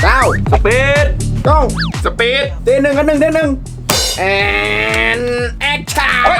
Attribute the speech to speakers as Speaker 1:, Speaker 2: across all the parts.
Speaker 1: สปีด
Speaker 2: ต้อง
Speaker 1: สปีด
Speaker 2: เทหนึ่งกันหนึ่งเทหนึ่งแอนแอคชั่น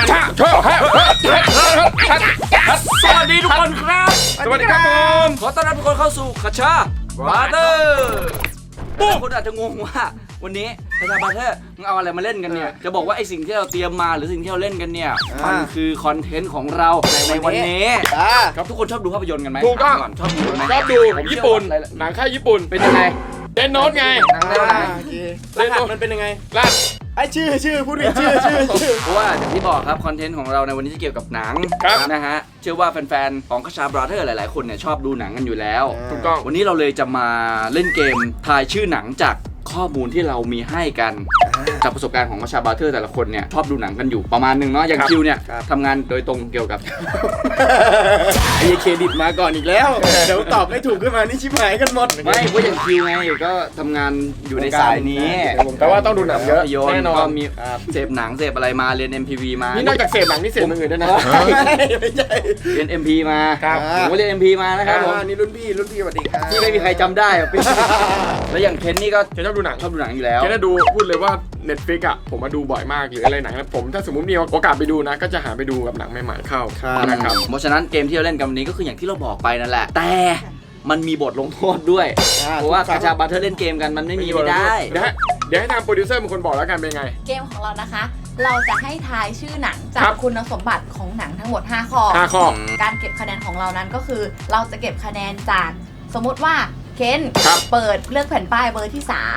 Speaker 3: สวัสดีทุกคนครับ
Speaker 1: สวัสดีครับผม
Speaker 3: ขอต้อนรับทุกคนเข้าสู่คาชาบาร์เตอร์คนอาจจะงงว่าวันนี้คาชาบาร์เตอร์มึงเอาอะไรมาเล่นกันเนี่ยจะบอกว่าไอสิ่งที่เราเตรียมมาหรือสิ่งที่เราเล่นกันเนี่ยมันคือคอนเทนต์ของเราในวันนี้ครับทุกคนชอบดูภาพยนตร์กันไหม
Speaker 1: ถูกต้อง
Speaker 3: ชอบดูไหม
Speaker 1: ชอบดูญี่ปุ่นหนังค่ายญี่ปุ่น
Speaker 3: เป็นยังไง
Speaker 1: เดนโนตไง
Speaker 3: หนังแนวไหน
Speaker 2: รหัสมันเป็นยังไง
Speaker 1: ล่ะ
Speaker 2: ไอชื่อพูดดิชื่อ
Speaker 3: เพราะว่าอย่างที่บอกครับคอนเทนต์ของเราในวันนี้จะเกี่ยวกับหนังนะฮะเชื่อว่าแฟนๆของคาชาบราเธอร์หลายๆคนเนี่ยชอบดูหนังกันอยู่แล้ว
Speaker 1: ถูกต้อง
Speaker 3: วันนี้เราเลยจะมาเล่นเกมทายชื่อหนังจากข้อมูลที่เรามีให้กันจากประสบการณ์ของคาชาบราเธอร์แต่ละคนเนี่ยชอบดูหนังกันอยู่ประมาณนึงเนาะอย่างคิวเนี่ยทำงานโดยตรงเกี่ยวกับ
Speaker 2: ไอเครดิตมาก่อนอีกแล้วเดี๋ยวตอบไม่ถูกขึ้นมานี่ชิบหายกันหมด
Speaker 3: ไม่เพราะอย่างคิวไงก็ทำงานอยู่ในสายนี้
Speaker 1: แปลว่าต้องดูหนังเยอะ
Speaker 3: ภาพยนต
Speaker 1: แน่
Speaker 3: ร์
Speaker 1: นอ
Speaker 3: ก็
Speaker 1: น
Speaker 3: มีเสพหนังเสพอะไรมาเรียน MPV มา
Speaker 1: นี่นอกจากเสพหนังนี่เสพอย่างอื่นด้วยนะ
Speaker 2: ไม่ใช่
Speaker 3: เรียน MP มา
Speaker 1: ครับ
Speaker 3: ผมก็เรียน MP มานะครับผม
Speaker 2: นี่รุ่นพี่สวัสดีครับ
Speaker 3: ที่ไม่มีใครจำได้อะพี่ แล้วอย่างเคนนี่ก็
Speaker 1: เคนชอบดูหนัง
Speaker 3: ชอบดูหนังอยู่แล้ว
Speaker 1: เคนจะดูพูดเลยว่า Netflix อ่ะผมมาดูบ่อยมากหรืออะไรหนังนะผมถ้าสมมติมีโอกาสไปดูนะก็จะหาไปดูกับหนังใหม่ๆเข้านะครับ
Speaker 3: เพราะฉะนั้นเกมที่เราเล่นกันวันนี้ก็คืออย่างที่เราบอกไปนั่นแหละ แต่มันมีบทลงโทษด้วย เพราะว่าคาชาบาเทอร์เล่นเกมกันมันไม่ได้
Speaker 1: เดี๋ยวให้ทางโปรดิวเซอร์เป็นคนบอกแล้วกันเป็นไง
Speaker 4: เกมของเรานะคะ เราจะให้ทายชื่อหนังจา
Speaker 1: ครั
Speaker 4: ก
Speaker 1: บ
Speaker 4: คุณสมบัติของหนังทั้งหมด 5 ข้อ
Speaker 1: 5 ข้อ
Speaker 4: การเก็บคะแนนของเรานั้นก็คือ เราจะเก็บคะแนนจากสมมติว่าเคน
Speaker 1: ครับ
Speaker 4: เปิดเลือกแผ่นป้ายเบอร์ที่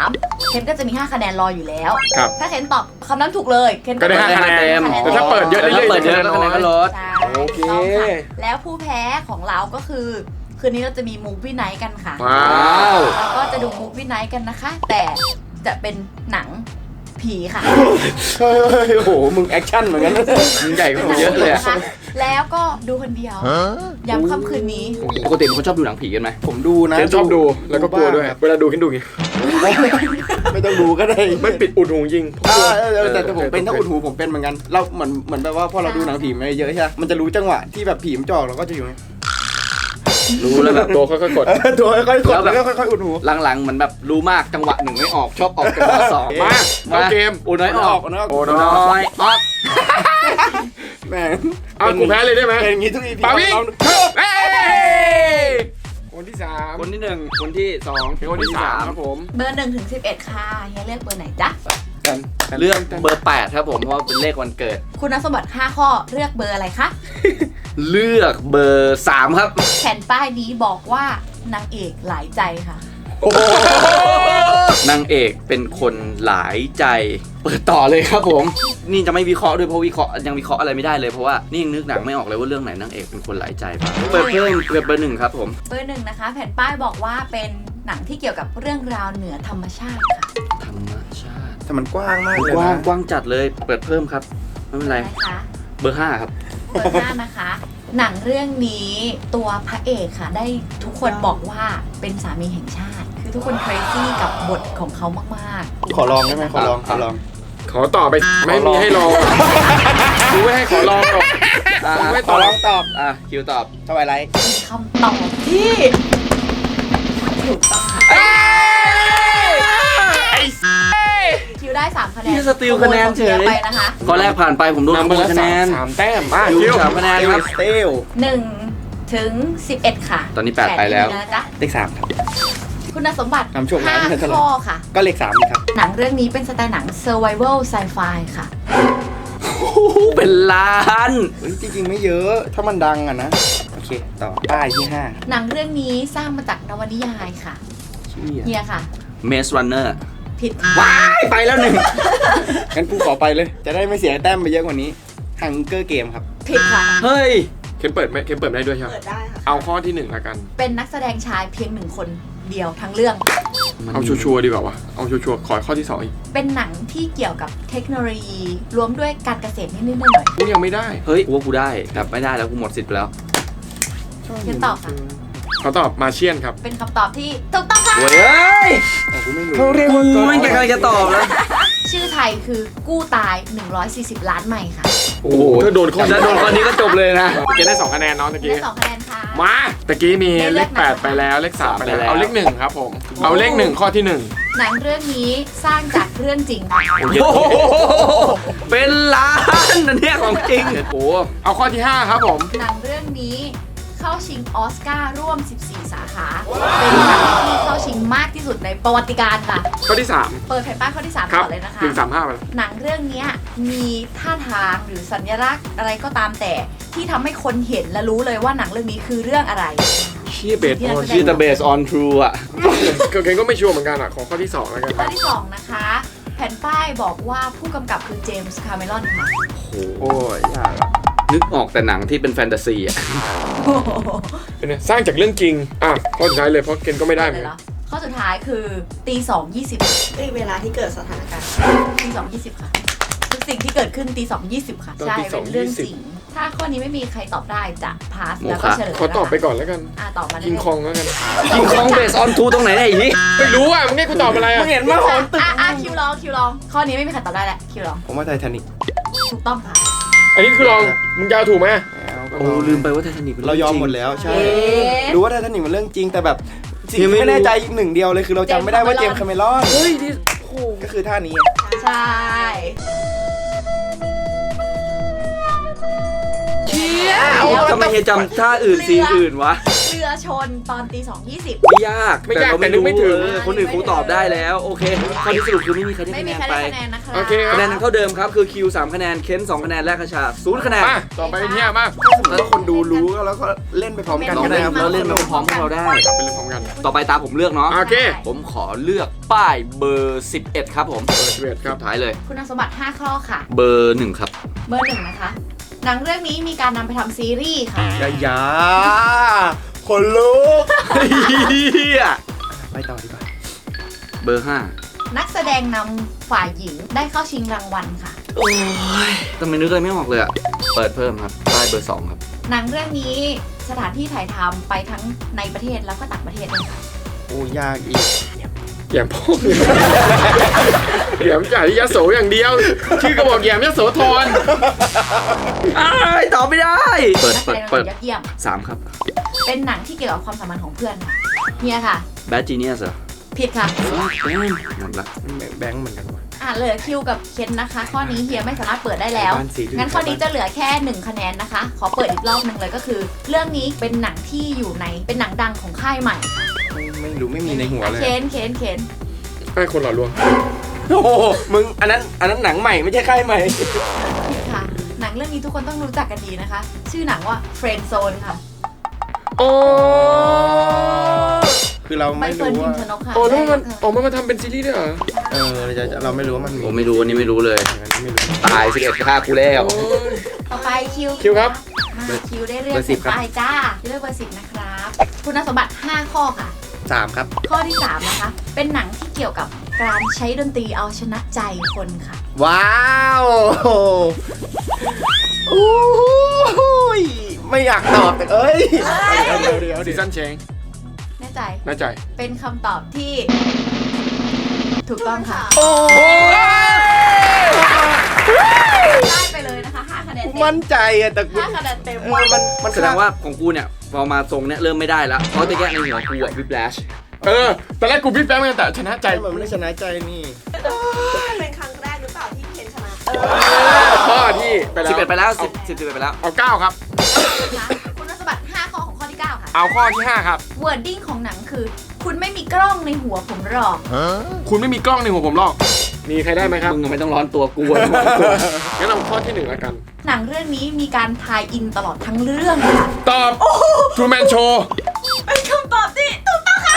Speaker 4: 3 เคนก็จะมี 5 คะแนนรออยู่แล้ว
Speaker 1: ครับ
Speaker 4: ถ้าเคนตอบคำนั้นถูกเลยเคน
Speaker 1: ก็ได้ 5 คะแนนแต่ถ้าเปิดเยอะเรื่อยๆ
Speaker 3: เปิดเยอะแล้วคะแนนก็ลด
Speaker 4: ใช่
Speaker 1: โอเค
Speaker 4: ต้องค่ะแล้วผู้แพ้ของเราก็คือคืนนี้เราจะมีมูฟวี่ไนท์กันค่ะ
Speaker 1: ว้าว
Speaker 4: แล้วก็จะดูมูฟวี่ไนท์กันนะคะ แต่จะเป็นหนังผีค่ะ
Speaker 2: เฮ้ยโอ้โหมึงแอคชั่นเหมือนกัน
Speaker 3: มึงใหญ่กว่าผมเยอะเลยอะ
Speaker 4: นะคะแล้วก็ดูคนเดียวย้ำค่ำคืนนี้
Speaker 3: ปกติเป็นคนชอบดูหนังผีกันไหม
Speaker 2: ผมดูนะ
Speaker 1: เคนชอบดูแล้วก็กลัวด้วยเวลาดูเคนดูอย่างงี้
Speaker 2: ไม่ต้องดูก็ได้
Speaker 1: ไม่ปิดอุดหูยิง
Speaker 2: แต่ผมเป็นถ้าอุดหูผมเป็นเหมือนกันเราเหมือนแบบว่าพอเราดูหนังผีมาเยอะใช่ไหมมันจะรู้จังหวะที่แบบผีมันจ่อเราก็จะอยู่ไง
Speaker 3: รู้แล้วแบบ
Speaker 1: ตัวค่อยๆกด
Speaker 2: ตัวค่อยๆกดแล้วก็ค่อยๆอุดหู
Speaker 3: หลังๆเหมือนแบบรู้มากจังหวะหนึ่งไม่ออกชอบออกจังหวะสอง
Speaker 1: มาเอาเกม
Speaker 3: อุน้อยออก
Speaker 2: นะ
Speaker 1: โอ้
Speaker 3: อุ
Speaker 1: น้
Speaker 3: น้
Speaker 1: อ
Speaker 3: อยออก
Speaker 2: แม่ง
Speaker 1: เอากูแพ้เลยได้ไหม
Speaker 2: เป็นอย่างนี้ทุก EP
Speaker 1: ปาวิ่ง
Speaker 2: เรา
Speaker 1: เฮ้ยคนที่ 3
Speaker 3: คนที่หนึ่งคนที่สอง
Speaker 1: เป็นคนที่ 3 ครับผม
Speaker 4: เบอร์1 ถึง 11 ค่ะเฮียเลือกเบอร์ไหนจ๊ะ
Speaker 3: เลือกเบอร์ 8 ครับผมเพราะว่าเป็นเลขวันเกิด
Speaker 4: คุณสมบัติ 5 ข้อเลือกเบอร์อะไรคะ
Speaker 3: เลือกเบอร์ 3 ครับ
Speaker 4: แผ่นป้ายนี้บอกว่านางเอกหลายใจค่ะ
Speaker 3: นางเอกเป็นคนหลายใจ เปิดต่อเลยครับผม นี่จะไม่วิเคราะห์ด้วยเพราะวิเคราะห์ยังวิเคราะห์อะไรไม่ได้เลยเพราะว่านี่ยังนึกหนังไม่ออกเลยว่าเรื่องไหนนางเอกเป็นคนหลายใจบ้างเปิดเพิ่มเบอร์ 1 ครับผม
Speaker 4: เบอร์1นะคะ แผ่นป้ายบอกว่าเป็นหนังที่เกี่ยวกับเรื่องราวเหนือธรรมชาติค่ะ
Speaker 3: ธรรมชาติ
Speaker 2: แต่มันกว้างมากเลย
Speaker 3: กว้าง
Speaker 2: นะ
Speaker 3: กว้างจัดเลยเปิดเพิ่มครับไม่เป็นไร
Speaker 4: นะคะ
Speaker 3: เบอร์ 5 ครับ
Speaker 4: เบอร์5นะคะ หนังเรื่องนี้ตัวพระเอกค่ะ ได้ทุกคนบอกว่าเป็นสามีแห่งชาติ คือทุกคน crazy กับบทของเขามากๆ
Speaker 2: ขอลองได้ไหมขอลอง
Speaker 1: ขอต่อไปไม่มีให้รอดูไม่ให้ขอลองหรอก ไม่
Speaker 2: ขอลองตอบ
Speaker 3: คิวตอบ
Speaker 2: ทวายไลท์
Speaker 4: เป็นคำตอบที่ถูกต้องค่ะคิวได้ 3 คะแนน
Speaker 3: พี่สติลคะแนนเฉย
Speaker 4: ไปนะคะ
Speaker 3: ข้อแรกผ่านไปผมโดน
Speaker 1: นำ
Speaker 3: ข
Speaker 1: ไป
Speaker 3: โมย
Speaker 1: แล้ว
Speaker 3: คะแนน
Speaker 1: สามแต้มมา
Speaker 3: คิ
Speaker 1: คิ
Speaker 3: ว
Speaker 1: ว
Speaker 3: 3 คะแนนครับ
Speaker 2: สเตล
Speaker 4: 1 ถึง 11 ค่ะ
Speaker 3: ตอนนี้8ไปแล้ว
Speaker 4: นะจ๊ะ
Speaker 2: เลข3ครับ
Speaker 4: คุณสมบัติ
Speaker 2: นำโชคร้ายให้ตลอด
Speaker 4: 5 ข้อค่ะ
Speaker 2: ก็เลข3นี่ครับ
Speaker 4: หนังเรื่องนี้เป็นสไตล์หนัง survival sci-fi ค่ะ
Speaker 3: เป็นล้าน
Speaker 2: จริงๆไม่เยอะถ้ามันดังอะนะโอเคต่อป้ายที่
Speaker 4: หนังเรื่องนี้สร้างมาจากนวนิยายค่ะ
Speaker 2: 5
Speaker 4: เฮียค่ะ
Speaker 3: เมสรันเนอร์
Speaker 4: ผิดค่ะ
Speaker 3: ว้ายไปแล้วหนึ่ง
Speaker 2: งั้นกูขอไปเลย จะได้ไม่เสียแต้มไปเยอะกว่านี้ฮังเกอร์เกมครับ
Speaker 4: ผิดค่ะ
Speaker 3: เฮ้ย
Speaker 1: เคนเปิดไหมเคนเปิดได้ด้วยใช่ไหม
Speaker 4: เปิดได้ค่ะ
Speaker 1: เอาข้อที่1ละกัน
Speaker 4: เป็นนักแสดงชายเพียง1 คนเดียวทั้งเรื่อง
Speaker 1: เอาชัวร์ๆดีกว่าวะเอาชัวร์ๆขอข้อที่2อีก
Speaker 4: เป็นหนังที่เกี่ยวกับเทคโนโลยี รวมด้วยการเกษตรนิดๆหน่อย
Speaker 1: กูยังไม่ได้
Speaker 3: เฮ้ยกูว่ากูได้แต่ไม่ได้แล้วกูหมดสิทธิ์ไปแล้ว
Speaker 4: ๆเฮียตอบค่ะ
Speaker 1: เขาตอบมาเชียนครับ
Speaker 4: เป็นคำตอบที่ถูกต้องค่ะ
Speaker 3: โว้ยเอ้ย
Speaker 2: กูไม่รู้
Speaker 3: เขาเรียกว่ากูไม่มีใครจะตอบแล้ว
Speaker 4: ชื่อไทคือกู้ตาย 140 ล้านไมล์ค่ะ
Speaker 1: โอ้โหถ้าโดนข้อ
Speaker 3: ถ้าโดนข้อนี้ก็จบเลยนะ
Speaker 1: เกณฑ์ได้2คะแนนเนาะตะกี้
Speaker 4: ได้2คะแนนค่ะ
Speaker 1: มาตะกี้มี
Speaker 4: ได้
Speaker 1: เล
Speaker 4: เล
Speaker 1: ข
Speaker 4: ข
Speaker 1: 8ไปแล้วเลข3ไปแล้ว
Speaker 3: ไปแล้ว
Speaker 1: เอาเลข1ครับผมเอาเลข1ข้อที่
Speaker 4: หนังเรื่องนี้สร้างจากเรื่องจริงค่ะ
Speaker 3: โอ้โหเป็นล้านนะเนี่ยของจริงโอ้โห
Speaker 1: 1เอาข้อที่ 5 ครับผม
Speaker 4: หนังเรื่องนี้เข้าชิงออสการ์ร่วม 14 สาขา เป็นหนังที่เข้าชิงมากที่สุดในประวัติการค่ะ
Speaker 1: ข้อที่
Speaker 4: เปิดแผ่นป้ายข้อที่ 3
Speaker 1: 3 ครับ
Speaker 4: ก่อนเลยนะคะ
Speaker 1: 135ไปแล้ว
Speaker 4: หนังเรื่องเนี้ยมีท่าทางหรือสัญลักษณ์อะไรก็ตามแต่ที่ทำให้คนเห็นและรู้เลยว่าหนังเรื่องนี้คือเรื่องอะไร
Speaker 1: เชี่ยเบสออน
Speaker 3: ชื่อ The Based on True อ่ะ
Speaker 1: เกณฑ์ก็ไม่ชัวร์เหมือนกันอ่ะขอข้อที่ 2 แล้วกัน
Speaker 4: ข้อที่ 2 นะคะ แผ่นป้ายบอกว่าผู้กำกับคือเจมส์คาเมรอนค่ะ
Speaker 2: โอ้ยยากอะ
Speaker 3: นึกออกแต่หนังที่เป็นแฟนตาซีอ่ะ
Speaker 1: เป็นไงสร้างจากเรื่องจริงอ่ะข้อสุดท้ายเลยเพราะเกณฑ์ก็ไม่ได้เหมือน
Speaker 4: เลย
Speaker 1: กั
Speaker 4: เหร
Speaker 1: น
Speaker 4: อข้อสุดท้ายคือตี2:20
Speaker 5: เวลาที่เกิดสถานการณ์
Speaker 4: ตี2:20 ค่ะทุกสิ่งที่เกิดขึ้นตี2:20 ค่ะ
Speaker 1: ตอน
Speaker 4: ใช่
Speaker 1: ตี
Speaker 4: เป็นเรื่องจริง
Speaker 1: 2:20
Speaker 4: ถ้าข้อนี้ไม่มีใครตอบได้จะพาส
Speaker 3: โมฆะ
Speaker 4: แล้วก็เฉลย
Speaker 1: ขอตอบไปก่อนแล้วกัน
Speaker 4: ตอบมาได้
Speaker 1: กิง
Speaker 4: เลย
Speaker 1: คองแล้วกัน
Speaker 3: กิงคองเบสออนทูตรงไหนเนี่ยไอ้นี่
Speaker 1: ไม่รู้อ่ะมึงให้กูตอบอะไรอ่ะ
Speaker 2: มึงเห็นว่าหอนตึก
Speaker 4: คิวลองข้อนี้ไม่มีใครตอบได้แหละคิวลอง
Speaker 2: ผมว่าไททานิก
Speaker 4: ถูกต้องค่ะ
Speaker 1: อันนี้คือลองมึงจะเอาถูกไหม
Speaker 3: โอ้ลืมไปว่าไททานิคเป็น
Speaker 2: เรา
Speaker 3: เรื่อง
Speaker 2: ยอม
Speaker 3: จริง
Speaker 2: หมดแล้วใช่
Speaker 4: เอ๊ะ
Speaker 2: รู้ว่าไททานิกมันเรื่องจริงแต่แบบสิ่ง
Speaker 3: ยัง
Speaker 2: ที่
Speaker 3: ไม่
Speaker 2: ไม่
Speaker 3: รู้
Speaker 2: แน่ใจอีกหนึ่งเดียวเลยคือเราจำไม่ได้ว่าเจมส์คาเมรอน
Speaker 3: เฮ้ยนี่
Speaker 2: ก็คือท่านี้
Speaker 4: ใช่
Speaker 3: ทำไมเฮียจำท่าอื่นซีนอื่นวะ
Speaker 4: เรือชนตอนตี2:20
Speaker 3: ไม่ยาก
Speaker 1: ไม่ยาก
Speaker 3: เรา
Speaker 1: แต่นึกไม่ถึง
Speaker 3: คนอื่นคงตอบได้แล้ว โอเคข้อที่สรุปคือไม่มีใครได้
Speaker 4: ไม่
Speaker 3: คะ
Speaker 4: มี
Speaker 3: แนน
Speaker 4: ใคร
Speaker 3: ไป
Speaker 4: ได้คะแนนนะคะ
Speaker 1: โอเคค
Speaker 3: คะแน
Speaker 1: รั
Speaker 3: น
Speaker 1: บ
Speaker 3: นั้นเท่าเดิมครับคือคิว3คะแนนเค้น2คะแนนแลกคาชา0คะแนน
Speaker 1: มาต่อไปเนี่ยมา
Speaker 2: ถ้าคนดูรู้แล้วก็เล่นไปพร้อมกัน
Speaker 3: ลอง
Speaker 2: ก็ได้
Speaker 3: เล่น
Speaker 2: ครับ
Speaker 3: แล้วเล่นมาพร้อมพวกเราได้
Speaker 1: กลับไปเรื่องพร้อมกัน
Speaker 3: ต่อไปตามผมเลือกเนาะ
Speaker 1: โอเค
Speaker 3: ผมขอเลือกป้ายเบอร์11ครับผม
Speaker 1: เปิดเวทครับ
Speaker 3: สุดท้ายเลย
Speaker 4: คุณสมบัติ 5 ข้อค่ะ
Speaker 3: เบอร์1ครับ
Speaker 4: เบอร์ 1 นะคะ หนังเรื่องนี้มีการนำไปทำซีรีส์ค่ะ
Speaker 2: ยาคนลุก
Speaker 3: เฮีย
Speaker 2: ไปต่อดีกว่า
Speaker 3: เบอร์
Speaker 4: นักแสดงนำฝ่ายหญิงได้เข้าชิงรางวัลค่ะ
Speaker 3: 5โอ้ยทำไมนึกอะไรไม่ออกเลยอะเปิดเพิ่มครับป้ายเบอร์2ครับ
Speaker 4: หนังเรื่องนี้สถานที่ถ่ายทำไปทั้งในประเทศแล้วก็ต่างประเทศด้วยค่ะ
Speaker 2: โอ้ยากอีก
Speaker 1: แยมพ่อแยมจ่ายที่ยโสอย่างเดียว ชื่อก็บอกแยมยโสธร
Speaker 3: อ้ายตอบไม่ได้ เปิด
Speaker 4: นักแส
Speaker 3: เปิด
Speaker 4: ดงนำ
Speaker 3: เปิด
Speaker 4: ยอดเยี่ยม
Speaker 3: 3ครับ
Speaker 4: เป็นหนังที่เกี่ยวกับความสัมพันธ์ของเพื่อนค่ะเฮียค่ะ
Speaker 3: Bad Genius เหรอ
Speaker 4: ผิดค่ะ
Speaker 3: หมดละ
Speaker 2: แบงค์เหมือนกันว่ะ
Speaker 4: เหลือคิวกับเคนนะคะ ข้อนี้เฮียไม่สามารถเปิดได้แล้ว
Speaker 2: บ้านสีเหลือง
Speaker 4: งั้นข้อนี้จะเหลือแค่ 1 คะแนนนะคะ ขอเปิดอีกรอบหนึ่งเลยก็คือ เรื่องนี้เป็นหนังที่อยู่ในเป็นหนังดังของค่ายใหม่
Speaker 2: ไม่รู้ไม่มีในหัวเลย
Speaker 4: เคน
Speaker 1: ให้คนหล่อลวง
Speaker 2: โอ้โหมึงอันนั้นหนังใหม่ไม่ใช่ค่ายใหม่
Speaker 4: ผิดค่ะ หนังเรื่องนี้ทุกคนต้องรู้จักกันดีนะคะ ชื่อหนังว่า Friend Zone ค่ะ
Speaker 1: โอ้
Speaker 2: คือเรา
Speaker 4: ใบ
Speaker 2: ไม่
Speaker 4: เฟิร์น
Speaker 2: รู้
Speaker 4: พิม
Speaker 2: ว่า
Speaker 4: พ์ชนกค่ะ
Speaker 1: โอ้แล้วมัน
Speaker 4: ได้
Speaker 1: ออกมาทำเป็นซีรีส์ด้วยเหรอ
Speaker 2: เราไม่รู้ว่ามันมี
Speaker 3: ผมไม่รู้อันนี้ไม่รู้เลย
Speaker 2: อันนี้ไม่รู้
Speaker 3: ตาย11ฆ่ากูแล้ว
Speaker 1: โอ้ย
Speaker 4: ต่อไปคิว
Speaker 1: คิวครับ
Speaker 4: มาคิวได้เลือก
Speaker 2: เบอร์10ครับ
Speaker 4: ไปจ้าเลือกเบอร์ 10 นะครับ คุณสมบัติ 5 ข้อค่ะ
Speaker 2: 3 ครับ
Speaker 4: ข้อที่ 3 นะคะ เป็นหนังที่เกี่ยวกับการใช้ดนตรีเอาชนะใจคนค่ะ
Speaker 2: ว้าวโอ้ยไม่อยากตอบแต่เอ้ยเดี๋ยว
Speaker 1: ซีซั่นเชง
Speaker 4: แน่ใจ
Speaker 1: น่าใจ
Speaker 4: เป็นคำตอบที่ ถูกต้องค่ะ
Speaker 2: โอ้
Speaker 4: ได้ไปเลยนะคะ 5 คะแนนเต็ม
Speaker 2: มั่นใจอะแต่กู
Speaker 4: 5 คะแนนเต็ม
Speaker 2: มัน
Speaker 3: แสดงว่าของกูเนี่ยพอมาทรงเนี่ยเริ่มไม่ได้แล้วเพราะตะแกในหัวกูอะวิบแลช
Speaker 1: ตอนแรกกูพี่แป๊บเหมือนกันแต่ชนะใจ
Speaker 2: มันไม่ได้ชนะใจนี่
Speaker 5: เป็นครั้งแรกหรือเปล่าที่เคนชนะ
Speaker 1: ข้อที่ไปแล้ว
Speaker 3: 11ไปแล้ว10ไปแล้ว
Speaker 1: เอา9ครับ
Speaker 4: นะคะคุณสมบัติ 5 ข้อของข้อที่ 9 ค่ะ
Speaker 1: เอาข้อที่ 5 ครับ
Speaker 4: วอร์ดดิ้งของหนังคือ คุณไม่มีกล้องในหัวผมหรอก
Speaker 1: คุณไม่มีกล้องในหัวผมหรอก มีใครได้ไหมครับ
Speaker 3: มึงยังไม่ต้องร้อนตัวกูอะ
Speaker 1: งั้นเอาข้อที่1แล้วกัน
Speaker 4: หนังเรื่องนี้มีการทายอินตลอดทั้งเรื่องค่ะ
Speaker 1: ตอบ True Man Show
Speaker 4: เป็นคำตอบที่ถูกต้องค่ะ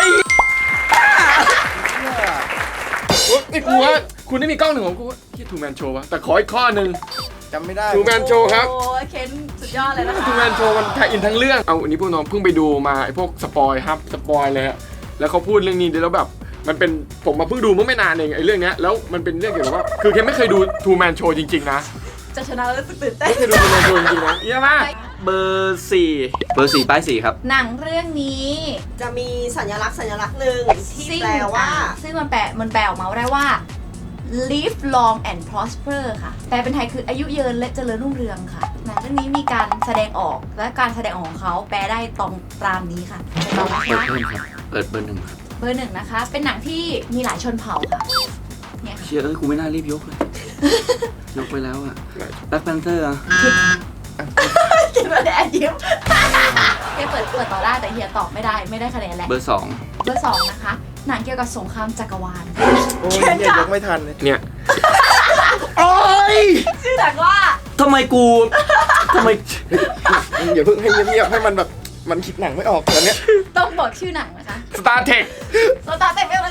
Speaker 1: ไอ้กูว่าคุณไม่มีกล้องหนึ่งของกูว่าที่ True Man Show วะแต่ขออีกข้อหนึ่ง
Speaker 2: จำไม่ได้
Speaker 1: True Man Show ครับ
Speaker 4: โอ้ยเคนสุดยอดเลยนะคะ
Speaker 1: True Man Show มันถ่ายอินทั้งเรื่อง เอาอันนี้พวกน้องเพิ่งไปดูมาไอ้พวกสปอยครับสปอยเลยฮะแล้วเขาพูดเรื่องนี้แล้วแบบมันเป็นผมมาเพิ่งดูเมื่อไม่นานเองไอ้เรื่องเนี้ยแล้วมันเป็นเรื่องเกี่ยวกับว่าคือเคนไม่เคยดู True Man Show จริงๆนะ
Speaker 4: จะชนะแล้วรู้สึกตื่นเต้น
Speaker 1: ไม่เคยดู True Man Show จริงๆนะเยี่ยมมาก
Speaker 3: เบอร์4ป้าย4ครับ
Speaker 4: หนังเรื่องนี้
Speaker 5: จะมีสัญลักษณ์หนึ่งที่แปลว่า
Speaker 4: ซึ่งมันแปลออกมาได้ว่า Live Long and Prosper ค่ะแปลเป็นไทยคืออายุยืนและเจริญรุ่งเรืองค่ะหนังเรื่องนี้มีการแสดงออกและการแสดงออกของเขาแปลได้ตามนี้ค่ะต่อมา
Speaker 3: เปิด
Speaker 4: ค่ะ
Speaker 3: เพิ่มครับเปิดเบอร์หนึ่งครับ
Speaker 4: เบอร์ 1นะคะ เป็นหนังที่มีหลายชนเผ่าค่ะเนี่ยค่ะ
Speaker 3: เชื่อกูไม่น่ารีบยกเลย ยกไปแล้วอะแบล็คแพนเตอร์อะ
Speaker 4: คิดว่าแดนยิ้มเฮียเปิดต่อได้แต่เฮียตอบไม่ได้คะแนนแหละ
Speaker 3: เบอร์สอง
Speaker 4: เบอร์ 2นะคะหนังเกี่ยวกับสงครามจักรวาล
Speaker 2: โอ้ยเนี่ยยกไม่ทันเลย
Speaker 1: เนี่ย
Speaker 2: โอ้ย
Speaker 4: ชื่อหนังว่า
Speaker 3: ทำไม
Speaker 2: มึงอย่าเพิ่งให้เงียบๆให้มันแบบมันคิดหนังไม่ออกตอนเนี้ย
Speaker 4: ต้องบอกชื่อหนังนะคะ
Speaker 1: Star Trek
Speaker 4: โซตาเต็มไปหมดเลย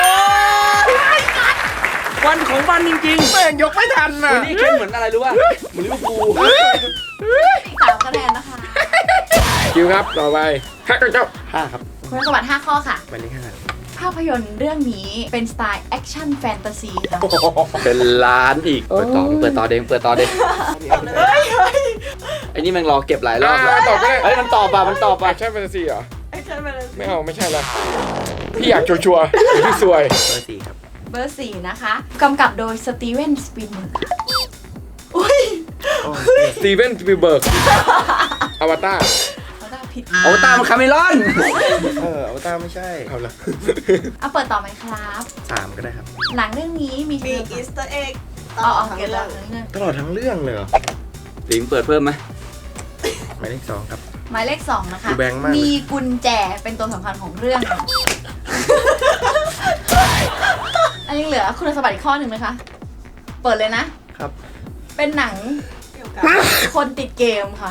Speaker 3: วันของวันจริง
Speaker 2: แม่งยกไม่ทัน
Speaker 3: ๆ
Speaker 2: น่ะ
Speaker 3: วันนี้เคนเหมือนอะไรรู้ป่ะเหมือนลิเวอร์พูล
Speaker 4: อีก3คะแนนนะคะ
Speaker 1: คิวครับต่อไป5 9
Speaker 2: 5 ครับ
Speaker 4: คุณสมบัติ5ข้อค่ะ
Speaker 2: หมายเลข
Speaker 4: ภาพยนตร์เรื่องนี้เป็นสไตล์แอคชั่นแฟนตาซีค่ะ
Speaker 3: เป็นล้านอีกเปิดต่อเด้งไอ้นี่แม่งรอเก็บหลายรอบแล้ว
Speaker 1: ตอบก็ได้
Speaker 3: เฮ้ยมันตอบป่ะ
Speaker 1: ใช่แฟนตาซีเหรอ
Speaker 5: ไอ้เคนมาเลย
Speaker 1: ไม่เอาไม่ใช่ละพี่อยากชัวร์ๆหรือพี่ซวย
Speaker 2: เบอร์ 4 ครับ
Speaker 4: เบอร์ 4นะคะกำกับโดยสตีเวนสปีลเบิร์กค่ะอุ้ย
Speaker 1: สตีเวนสปีลเบิร์กอวตาร
Speaker 4: เขาได้ผิด
Speaker 3: เอาตามคาเมรอน
Speaker 2: เอาตาไม่ใช่
Speaker 1: เอาละ
Speaker 4: เอาเปิดต่อไหมครับ
Speaker 2: 3 ก็ได้ครับ
Speaker 4: หนังเรื่องนี้มี
Speaker 5: มี
Speaker 4: ชื่อ
Speaker 5: อีสเตอร์เอ็ก
Speaker 4: อ๋อ
Speaker 5: ทั้ง
Speaker 4: เกิด
Speaker 5: เรื่
Speaker 4: แล้
Speaker 5: อ
Speaker 4: ว
Speaker 5: ง
Speaker 2: ตลอดทั้งเรื่องเลยเหรอ
Speaker 3: ลิงเปิดเพิ่มไหม
Speaker 2: หมายเลข 2 ครับ
Speaker 4: หมายเลข 2 นะคะ
Speaker 2: ดูแบงค์มากเลย
Speaker 4: มีกุญแจเป็นตัวสำคัญของเรื่องค่ะอันนี้เหลือคุณสมบัติอีกข้อหนึ่งนะคะ เปิดเลยนะ
Speaker 2: ครับ
Speaker 4: เป็นหนัง
Speaker 5: เกี่ยวกับ
Speaker 4: คนติดเกมค่ะ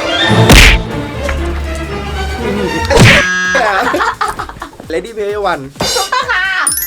Speaker 2: Lady Player One
Speaker 4: ถูกต้องค่ะ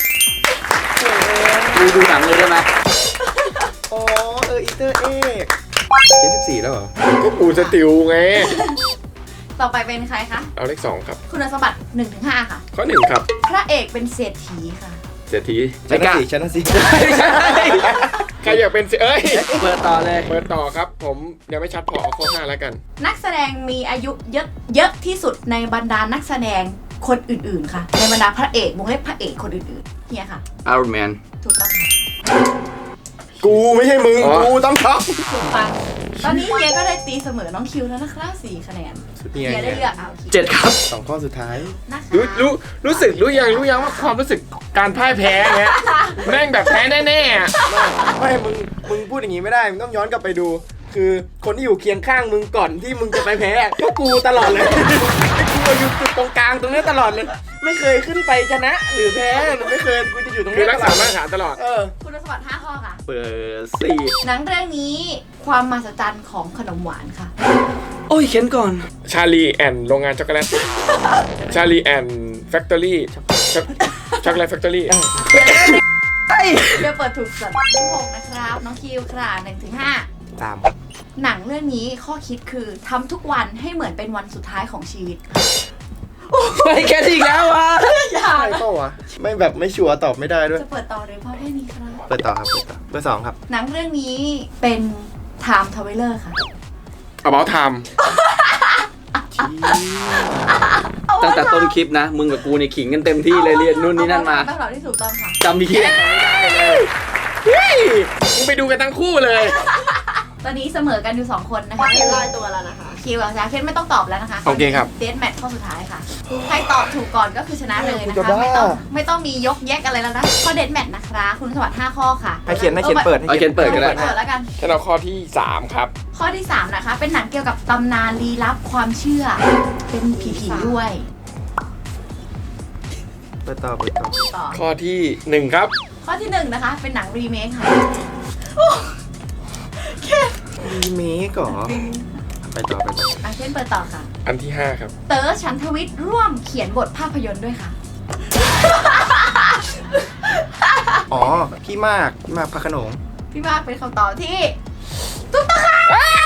Speaker 3: ดูหนังเลยได้ไหม
Speaker 2: อ๋ออีเตอร์เอก74แล้วเหรอ
Speaker 1: ก็ปูสติลไง
Speaker 4: ต่อไปเป็นใครคะ
Speaker 1: เอาเลข2ครับ
Speaker 4: คุณสมบัติ 1-5 ค่ะ
Speaker 1: ข้อ1ครับ
Speaker 4: พระเอกเป็นเศรษฐีค่ะ
Speaker 1: เศรษฐี
Speaker 2: ชนะสิชนะสิ
Speaker 1: ใครอยากเป็นเอ้ย
Speaker 3: เปิดต่อเลย
Speaker 1: เปิดต่อครับ ผมยังไม่ชัดพอเอาข้อ5แล้วกัน
Speaker 4: นักแสดงมีอายุเยอะที่สุดในบรรดานักแสดงคนอื่นๆค่ะ ในบรรดาพระเอกวงเล็บพระเอกคนอื่นๆเฮียค่ะ
Speaker 3: Iron Man
Speaker 4: ถูกต้องค่ะ
Speaker 2: กูไม่ใช่มึง
Speaker 1: อ๋อ
Speaker 2: กูต้องท็อป
Speaker 4: ถูกปังตอนนี้เฮียก็ได้ตีเสมอน้องคิวแล้วนะคะ4 คะแนน
Speaker 2: นี่
Speaker 4: เฮียได้
Speaker 2: ไง
Speaker 4: เลือกเอา
Speaker 3: 7 ครับ
Speaker 2: 2 ข้อสุดท้าย
Speaker 4: นะคะ
Speaker 1: รู้ยังว่าความรู้สึกการพ่ายแพ้เนี้ยแม่งแบบแพ้แน่ๆอะ
Speaker 2: ไม่มึงพูดอย่างงี้ไม่ได้ มึงต้องย้อนกลับไปดู คือคนที่อยู่เคียงข้างมึงก่อนที่มึงจะไปแพ้ก็กูตลอดเลย กูอยู่จุดตรงกลางตรงนี้ตลอดเลย ไม่เคยขึ้นไปชนะ หรือแพ้หรือไม่เคย กูจะอยู่ตรง
Speaker 1: คือ
Speaker 2: นี้
Speaker 1: รักษามาตรฐานตลอด
Speaker 4: คุณสมบัติ5 ข้อค่ะ
Speaker 3: เปิด
Speaker 4: หนังเรื่องนี้ความมหัศจรรย์ของขนมหวานค่ะ
Speaker 3: 4 โอ้ยเข็นก่อน
Speaker 1: ชาลีแอนโรงงานช็อกโกแลตชาลีแอนแฟคทอรี่ช็อกโกแลตแฟคทอรี่
Speaker 4: เดี๋ยวเปิดถูกสัตว์ที่6นะครับ น้องคิวค่ะ1-5
Speaker 2: 3
Speaker 4: หนังเรื่องนี้ข้อคิดคือทำทุกวันให้เหมือนเป็นวันสุดท้ายของชีวิต
Speaker 3: ไปแค่อีกแล้ววะ
Speaker 4: อย่า
Speaker 2: ใช่เปล่าวะ ไม่แบบไม่ชัวร์ตอบไม่ได้ด้วย
Speaker 4: จะเปิดต่อหรือเพราะแค่นี้ครับ
Speaker 2: เปิดต่อครับ เปิดต่อเบอร์ 2 ครับ
Speaker 4: หนังเรื่องนี้เป็น Time Traveler ค่ะ
Speaker 1: About Time
Speaker 3: ตั้งแต่ต้นคลิปนะ มึงกับกูในขิงกันเต็มที่เลยเรียนนู่นนี่นั่นมา
Speaker 4: เป็นคำตอบที่ถูกต้องค่ะ
Speaker 3: จำมีเคีย
Speaker 1: เฮ้ยมึงไปดูกันทั้งคู่เลย
Speaker 4: ตอนนี้เสมอกันอยู่ 2 คนนะคะ
Speaker 5: เคนลอยตัวแล้วนะคะ
Speaker 4: คิวกับจาเคนไม่ต้องตอบแล้วนะคะ
Speaker 1: โอเคครับ
Speaker 4: เดทแมทข้อสุดท้ายค่ะ ใครตอบถูกก่อนก็คือชนะเลยนะ
Speaker 2: กูจะ
Speaker 4: คะ
Speaker 2: บ้า
Speaker 4: ไม่ต้องมียกแยกอะไรแล้วนะ ข้อเดทแมทนะคะคุณสวัสดิ์5 ข้อค่ะ
Speaker 2: ให้เขียนเปิด
Speaker 3: เอาเขียนเปิดก็ได้
Speaker 4: เปิดแล้วกัน
Speaker 1: ฉันเอาข้อที่ 3 ครับ
Speaker 4: ข้อที่ 3 นะคะ เป็นหนังเกี่ยวกับตำนานลี้ลับความเชื่อ เป็นผีๆด้วย
Speaker 2: เปิดต่อ
Speaker 4: ต่อ
Speaker 1: ข้อที่ 1 ครับ
Speaker 4: ข้อที่ 1 นะคะ เป็นหนังรีเมคค่ะ
Speaker 2: รีเมคเหรอไปต่อ
Speaker 4: อาเช่นเปิดต่อค่ะ
Speaker 1: อันที่ 5 ครับ
Speaker 4: เต๋อฉันทวิทย์ร่วมเขียนบทภาพยนตร์ด้วยค่ะ
Speaker 2: อ๋อ พี่มากพระโขนง
Speaker 4: พี่มากเป็นคำตอบที่ถูกต้องค่ะ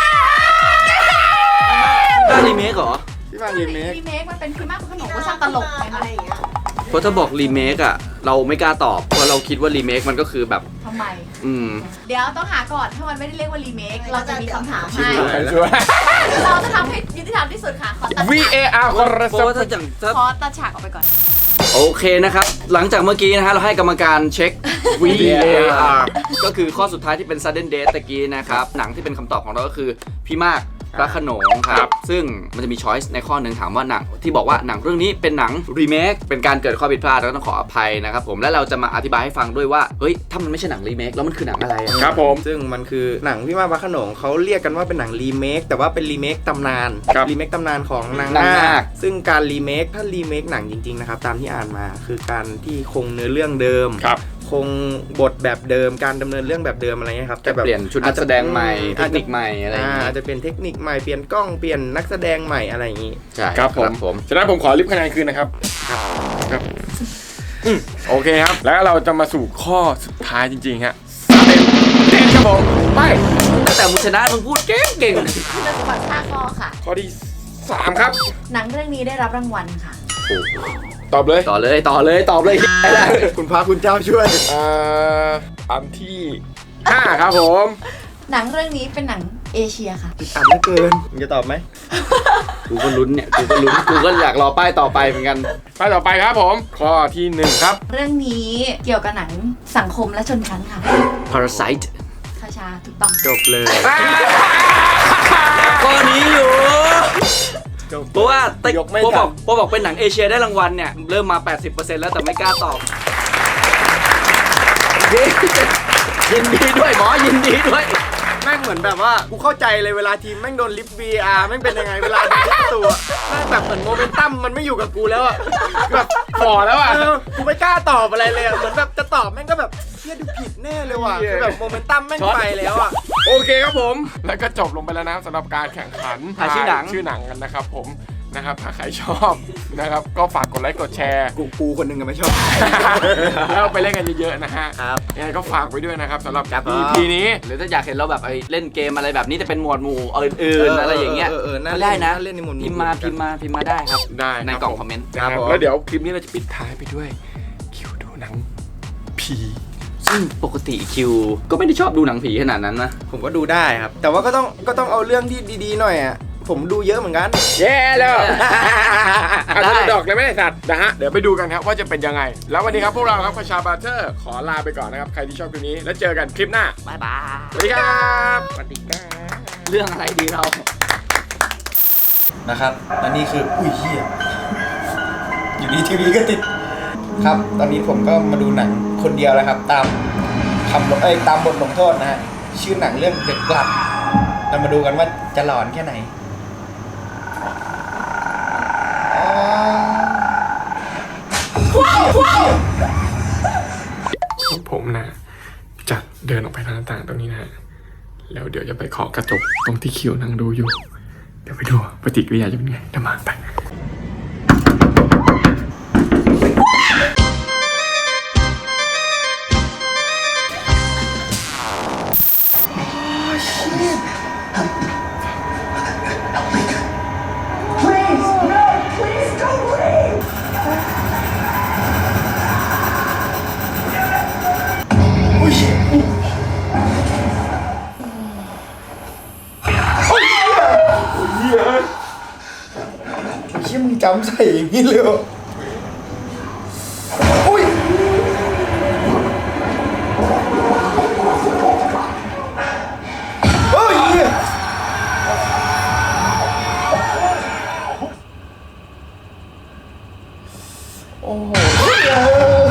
Speaker 3: บ้านรีเมคเหรอ
Speaker 2: พี่มากรีเมค
Speaker 4: รีเมคมันเป็นพี่มากพระโขนงเวอร์ชันตลกไหม
Speaker 5: อะไรอย่างเงี้ย
Speaker 3: เพราะถ้าบอกรีเมคอะเราไม่กล้าตอบ เพราะเราคิดว่ารีเมคมันก็คือแบบ
Speaker 4: ทำไมเดี๋ยวต้องหาก่อน ถ้ามันไม่ได้เรียกว่ารีเมค เราจะมีคำถามให้
Speaker 1: ช่วย
Speaker 4: เราจะทำให้ยุติธรรมที่สุดค่ะ ขอตัดฉาก
Speaker 1: VAR
Speaker 3: เพราะว่าถ้าอย่างถ้า
Speaker 4: ขอตัดฉากออกไปก่อน
Speaker 3: โอเคนะครับ หลังจากเมื่อกี้นะฮะเราให้กรรมการเช็ค VAR ก็คือข้อสุดท้ายที่เป็น sudden death ตะกี้นะครับ หนังที่เป็นคำตอบของเราก็คือพี่มากพระโขนงครับ ซึ่งมันจะมีช้อยส์ในข้อหนึ่งถามว่าหนังที่บอกว่าหนังเรื่องนี้เป็นหนังรีเมคเป็นการเกิดข้อผิดพลาดแล้วต้องขออภัยนะครับผมและเราจะมาอธิบายให้ฟังด้วยว่าเฮ้ยถ้ามันไม่ใช่หนังรีเมคแล้วมันคือหนังอะไรอะ
Speaker 1: ครับผม
Speaker 2: ซึ่งมันคือหนังพี่มากพระโขนงเขาเรียกกันว่าเป็นหนังรีเมคแต่ว่าเป็นรีเมคตำนาน
Speaker 1: ครับ
Speaker 2: รีเมคตำนานของนาง
Speaker 3: นาง
Speaker 2: นา
Speaker 3: นา
Speaker 2: ค
Speaker 3: ค
Speaker 2: ซึ่งการรีเมคถ้ารีเมคหนังจริงๆนะครับตามที่อ่านมาคือการที่คงเนื้อเรื่องเดิม
Speaker 1: ครับ
Speaker 2: คงบทแบบเดิมการดำเนินเรื่องแบบเดิมอะไรเงี้ยครับ
Speaker 3: จะเปลี่ยนชุดนักแสดงใหม่เทคนิคใหม่อะไรอย่าง
Speaker 2: อา
Speaker 3: งี้
Speaker 2: จจะเปลี่ยนเทคนิคใหม่เปลี่ยนกล้องเปลี่ยนนักแสดงใหม่อะไรอย่างงี้
Speaker 3: ใช่
Speaker 1: ครับผม ฉะนั้นผมขอลิฟต์คะแนนคืนนะครับ ครับโอเคครับ แล้วเราจะมาสู่ข้อสุดท้ายจริงๆฮะเต้นครับผมไป
Speaker 3: ตั้งแต่มึงชนะมึงพูดเก่ง
Speaker 4: คุณสมบัติ5ข้อค่ะ
Speaker 1: ข้อที่ 3 ครับ
Speaker 4: หนังเรื่องนี้ได้รับรางวัลค่ะ
Speaker 1: ตอบเลย
Speaker 3: ต่อเลย
Speaker 2: คุณพระคุณเจ้าช่วย
Speaker 1: อันที่ 5 ครับผม
Speaker 4: หนังเรื่องนี้เป็นหนังเอเชียค่ะ
Speaker 2: อัดเหลือเกินมึงจะตอบไหม
Speaker 3: กูก็ลุ้นเนี่ยกูก็อยากรอป้ายต่อไปเหมือนกัน
Speaker 1: ไปต่อไปครับผม ข้อที่ 1 ครับ
Speaker 4: เรื่องนี้เกี่ยวกับหนังสังคมและชนชั้นค่ะ
Speaker 3: Parasite
Speaker 4: คาชาถูกต้อง
Speaker 2: จบเลย
Speaker 3: ข้อนี้อยู่เพราะว่าแต่
Speaker 2: ยกไม่
Speaker 3: พอ
Speaker 2: ทั
Speaker 3: บอกเป็นหนังเอเชียได้รางวัลเนี่ยเริ่มมา 80%แล้วแต่ไม่กล้าตอบยินดีด้วยหมอยินดีด้วย
Speaker 2: แม่งเหมือนแบบว่ากูเข้าใจเลยเวลาทีมแม่งโดนลิฟต์ VR แม่งเป็นยังไงเวลาโดนลิฟต์ตัวแม่งแบบเหมือนโมเมนตัมมันไม่อยู่กับกูแล้วอะแบบ
Speaker 1: พอแล้วอ่ะ
Speaker 2: กูไม่กล้าตอบอะไรเลยอะเหมือนแบบจะตอบแม่งก็แบบเฮียดูผิดแน่เลยว่ะคือแบบโมเมนตัมแม่งไปแล้วอะ
Speaker 1: โอเคครับผม แล้วก็จบลงไปแล้วนะสำหรับการแข่งขัน
Speaker 3: ถ่ายชื่อหนัง
Speaker 1: ชื่อหนังกันนะครับผมนะครับถ้าใครชอบนะครับก็ฝากกดไลค์กดแชร์
Speaker 2: กูคนหนึงก็ไม่ชอบ
Speaker 1: แล้วไปเล่นกันเยอะๆนะฮะ
Speaker 2: ครับ
Speaker 1: ยังไงก็ฝากไว้ด้วยนะครับสำหรับ
Speaker 2: ครับ
Speaker 1: EP นี้
Speaker 3: หรือถ้าอยากเห็นเราแบบเล่นเกมอะไรแบบนี้แต่เป็นหมวดหมู่อื่นๆอะไรอย่างเงี้ย
Speaker 2: น่า
Speaker 3: ก็
Speaker 2: เล่
Speaker 3: ได้
Speaker 2: น
Speaker 3: นะ
Speaker 2: น่าเล่นในหมวดหมู่
Speaker 3: พิมพ์มาได้ครับ
Speaker 1: ได้
Speaker 3: ใน
Speaker 1: ครับ
Speaker 3: กล่อง
Speaker 1: ผม
Speaker 3: คอมเมนต์
Speaker 1: นะครับ
Speaker 2: ผม
Speaker 1: แล้วเดี๋ยวคลิปนี้เราจะปิดท้ายไปด้วยคิวดูหนังผี
Speaker 3: ซึ่งปกติคิวก็ไม่ได้ชอบดูหนังผีขนาดนั้นนะ
Speaker 2: ผมก็ดูได้ครับ แต่ว่าก็ต้องเอาเรื่องที่ดีๆหน่อยอ่ะผมดูเยอะเหมือนกัน
Speaker 1: แย่แล้วอาจ
Speaker 3: ได้
Speaker 1: จะดอกเลยไม่ได้สัตว์นะฮะเดี๋ยวไปดูกันครับว่าจะเป็นยังไง แล้ววันนี้ครับพวกเราครับคชาบาเทอร์ขอลาไปก่อนนะครับใครที่ชอบคลิปนี้แล้วเจอกันคลิปหน้า
Speaker 3: บ๊ายบาย
Speaker 1: สวัสดีครับสวัสดีครับ
Speaker 3: เรื่องอะไรดีเรา
Speaker 2: นะครับและนี่คืออุ้ยเหี้ยอยู่ดีทีวีก็ติดครับ ตอนนี้ผมก็มาดูหนังคนเดียวแล้วครับ ตามตามบทลงโทษนะฮะชื่อหนังเรื่อง The Blood เรามาดูกันว่าจะหลอนแค่ไหน
Speaker 1: ผมนะจะเดินออกไปทางหน้าต่างตรงนี้นะฮะแล้วเดี๋ยวจะไปเคาะกระจกตรงที่คิวนั่งดูอยู่ เดี๋ยวไปดูปฏิกิริยาจะเป็นไงเดี๋ยวมาไป
Speaker 2: เชี่ยมึงจำใส่อย่างนี้เลยเหรออุ้ยโอ้ยเหี้ยโอ้โหเชี่ย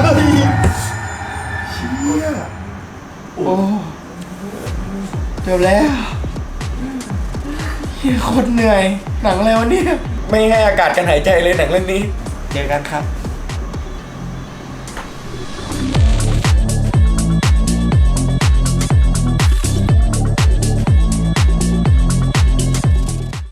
Speaker 2: โอ้จบแล้วเฮียโคตรเหนื่อยหนังอะไรวะเนี่ยไม่ให้อากาศกันหายใจเลยหนังเรื่องนี้ เจอกันครับ